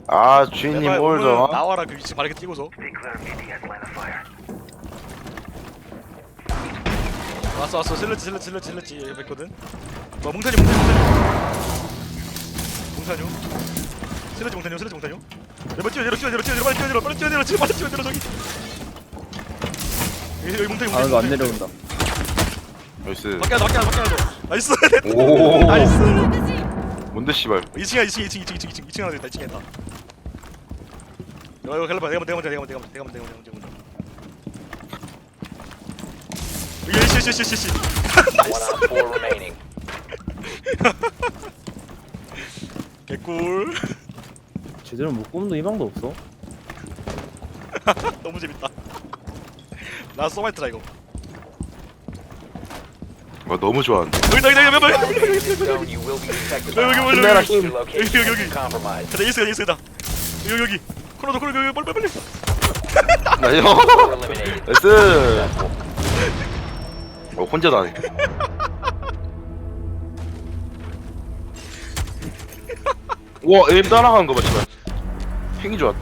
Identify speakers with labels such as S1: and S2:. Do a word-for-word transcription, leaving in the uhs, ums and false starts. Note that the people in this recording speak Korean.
S1: 아 주인님
S2: 제발
S1: 뭘
S2: 오늘
S1: 더?
S2: 나와라 그 위치 바르게 찍어서. 왔어 왔어 슬래치 슬래치 슬래치 슬래치 했거든. 뭐 몽타뉴 몽타뉴 몽타뉴 몽타뉴 슬래치 몽타뉴 슬래치 몽타뉴. 내가 뛰어내려 뛰어내려 뛰어내려 빨리 뛰어내려 빨리 뛰어내려 지금 빨리 뛰어내려 저기. 여기 여기 몽타뉴
S3: 아
S2: 몽타뉴.
S3: 이거 안 내려온다.
S1: 나이스.
S2: 밖에 나가 밖에 나가 밖에 나가. 나이스.
S1: 오.
S2: 나이스.
S1: 뭔데 씨발.
S2: 이 층이야 이 층 이 층 이 층 이 층 이 층 이 층 하나 있다 이 층에 있다. 이거 이거 갈라봐 내가 먼저 내가 먼저 내가 먼저 내가 먼저 내가 먼저 내가 먼저. 이게 씨씨씨씨.
S4: One on four remaining.
S2: 개꿀.
S3: 제대로 못 꼽는 희망도 없어.
S2: 너무 재밌다. 나 소마이트라 이거.
S1: 와 너무 좋아한다.
S2: 여기 여기 여기 여기 여기
S4: Found in this zone, you will be detected.
S2: 여기 여기
S1: 끝내라
S2: 여기
S1: 힘.
S4: Your
S2: 여기
S4: location
S2: 여기
S4: has
S2: 여기.
S4: been compromised.
S2: 가자 이스다 이스다. 여기 여기. 코너도 코너 여기 빨리 빨리 빨리.
S1: 나이스.
S4: Four eliminated.
S1: 나이스. 어 혼자도 안 해. 와 에임 따라가는 거 봐 씨발. 핑이 좋았다.